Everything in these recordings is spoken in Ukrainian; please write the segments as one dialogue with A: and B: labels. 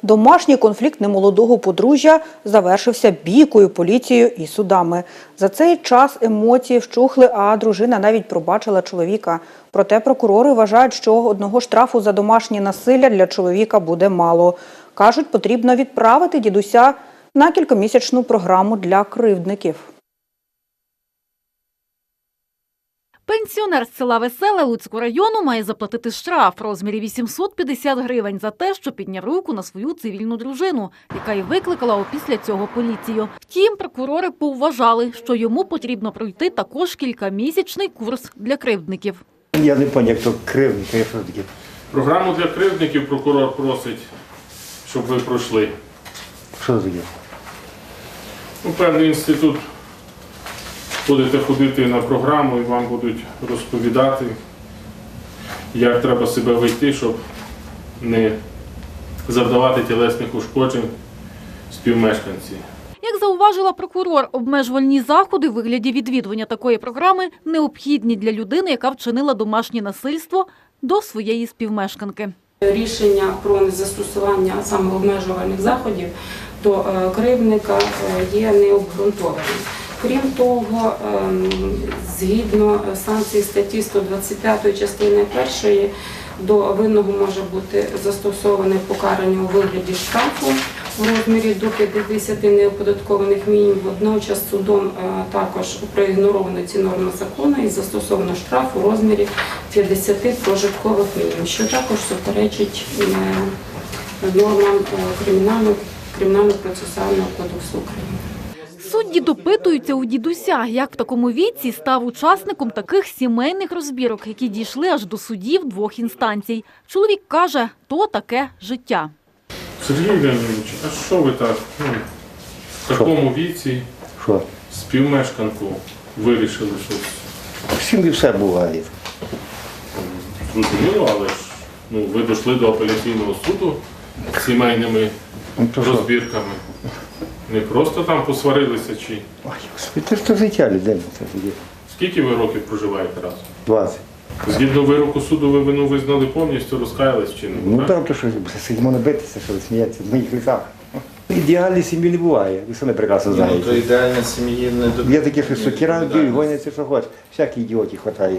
A: Домашній конфлікт немолодого подружжя завершився бійкою, поліцією і судами. За цей час емоції вщухли, а дружина навіть пробачила чоловіка. Проте прокурори вважають, що одного штрафу за домашнє насилля для чоловіка буде мало. Кажуть, потрібно відправити дідуся на кількомісячну програму для кривдників.
B: Пенсіонер з села Веселе Луцького району має заплатити штраф в розмірі 850 гривень за те, що підняв руку на свою цивільну дружину, яка й викликала опісля цього поліцію. Втім, прокурори повважали, що йому потрібно пройти також кількамісячний курс для кривдників.
C: Я не пам'ятаю, як то кривдники, я що таке?
D: Програму для кривдників прокурор просить, щоб ви пройшли.
C: Що таке?
D: Певний інститут. Будете ходити на програму і вам будуть розповідати, як треба себе вести, щоб не завдавати тілесних ушкоджень співмешканці.
B: Як зауважила прокурор, обмежувальні заходи у вигляді відвідування такої програми необхідні для людини, яка вчинила домашнє насильство до своєї співмешканки.
E: Рішення про незастосування саме обмежувальних заходів до кривдника є необґрунтованим. Крім того, згідно санкцій статті 125 частини 1, до винного може бути застосоване покарання у вигляді штрафу в розмірі до 50 неоподаткованих мінімумів. Водночас судом також проігноровано ці норми закону і застосовано штраф у розмірі 50 прожиткових мінімумів, що також суперечить нормам Кримінально-процесуального кодексу України.
B: Судді допитуються у дідуся, як в такому віці став учасником таких сімейних розбірок, які дійшли аж до судів двох інстанцій. Чоловік каже, то таке життя.
D: Сергій Леонідович, а що ви так, в такому віці
C: Що?
D: співмешканку вирішили щось?
C: Всім і все буває.
D: Зрозуміло, але ж ви дійшли до апеляційного суду з сімейними розбірками. Не просто там посварилися чи?
C: Ой, Господи, це ж то життя людини.
D: Скільки ви років проживаєте разом?
C: 20.
D: Згідно вироку суду ви вину визнали повністю, розкаялись чи не?
C: Ну там то що, сидимо не битися, що ви смієтеся, в моїх лісах. Ідеальної сім'ї не буває, ви самі прекрасно
F: Ну, то
C: знаєте.
F: ідеальна сім'ї не до...
C: Є такі, що сокира б'ють, гоняться, що хочеш. Всякі ідіоті хватає.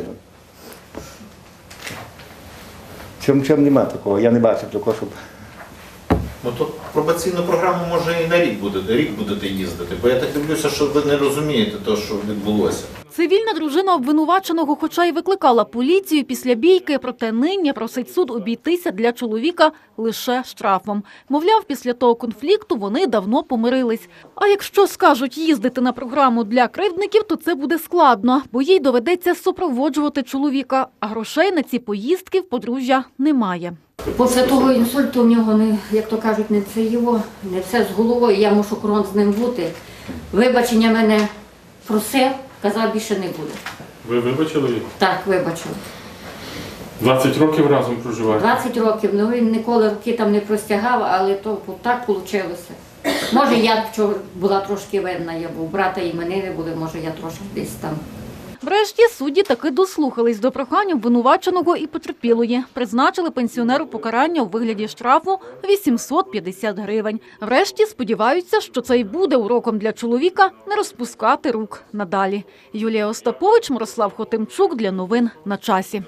C: Чому нема такого, я не бачив такого, щоб...
F: Ну, то пробаційну програму може і на рік будете їздити, бо я так дивлюся, що ви не розумієте те, що відбулося.
B: Цивільна дружина обвинуваченого хоча й викликала поліцію після бійки, проте нині просить суд обійтися для чоловіка лише штрафом. Мовляв, після того конфлікту вони давно помирились. А якщо скажуть їздити на програму для кривдників, то це буде складно, бо їй доведеться супроводжувати чоловіка, а грошей на ці поїздки в подружжя немає.
G: Після того інсульту в нього, як то кажуть, не все з головою, я мушу крон з ним бути. Вибачення мене просив, казав, більше не буде.
D: Ви вибачили?
G: Так, вибачив.
D: 20 років разом проживаєте?
G: 20 років, ну він ніколи руки там не простягав, але то так вийшло. Може, я була трошки винна, я був брата іменини були, може, я трошки десь там.
B: Врешті судді таки дослухались до прохань обвинуваченого і потерпілої. Призначили пенсіонеру покарання у вигляді штрафу 850 гривень. Врешті сподіваються, що це й буде уроком для чоловіка не розпускати рук надалі. Юлія Остапович, Мирослав Хотимчук для новин на часі.